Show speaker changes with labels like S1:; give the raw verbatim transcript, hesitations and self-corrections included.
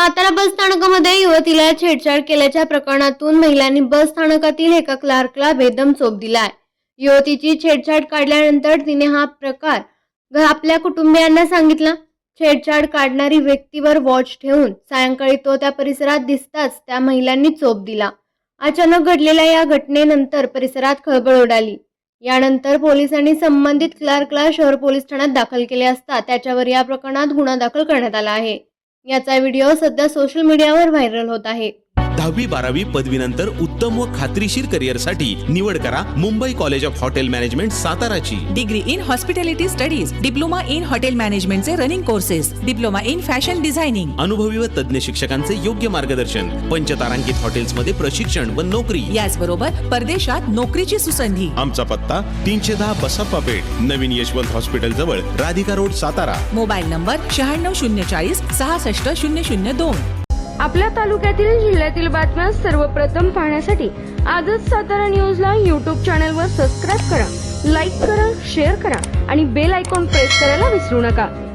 S1: सातारा बस स्थानकामध्ये युवतीला छेडछाड केल्याच्या प्रकरणातून महिलांनी बस स्थानकातील एका क्लार्कला बेदम चोप दिलाय। युवतीची छेडछाड काढल्यानंतर तिने हा प्रकार आपल्या कुटुंबियांना सांगितला। छेडछाड काढणारी व्यक्तीवर वॉच ठेवून सायंकाळी तो त्या परिसरात दिसताच त्या महिलांनी चोप दिला। अचानक घडलेल्या या घटनेनंतर परिसरात खळबळ उडाली। यानंतर पोलिसांनी संबंधित क्लार्कला शहर पोलीस ठाण्यात दाखल केले असता त्याच्यावर या प्रकरणात गुन्हा दाखल करण्यात आला आहे। याचा व्हिडिओ सध्या सोशल मीडियावर व्हायरल होत आहे।
S2: दहावी बारावी पदवीनंतर उत्तम व खात्रीशीर करिअरसाठी निवड करा Mumbai college of hotel management साताराची।
S3: Degree in hospitality studies, diploma in hotel मॅनेजमेंटचे running courses, diploma in fashion designing,
S2: अनुभवी व तज्ञ शिक्षकांचे योग्य मार्गदर्शन, पंचतारांकित हॉटेल्समध्ये प्रशिक्षण व नोकरी,
S3: याचबरोबर परदेशात नोकरीची सुसंधी।
S2: आमचा पत्ता तीनशे दहा बसप्पा पेठ, नवीन यशवंत हॉस्पिटल जवळ, Radhika road, Satara.
S3: Mobile number शहाण्णव शून्य चाळीस सहासष्ट शून्य शून्य दोन।
S4: आपल्या तालुक्यातील जिल्ह्यातील बातम्या सर्वप्रथम पाहण्यासाठी आजच सातारा न्यूजला यूट्यूब चॅनलवर सबस्क्राईब करा, लाईक करा, शेअर करा आणि बेल आयकॉन प्रेस करायला विसरू नका।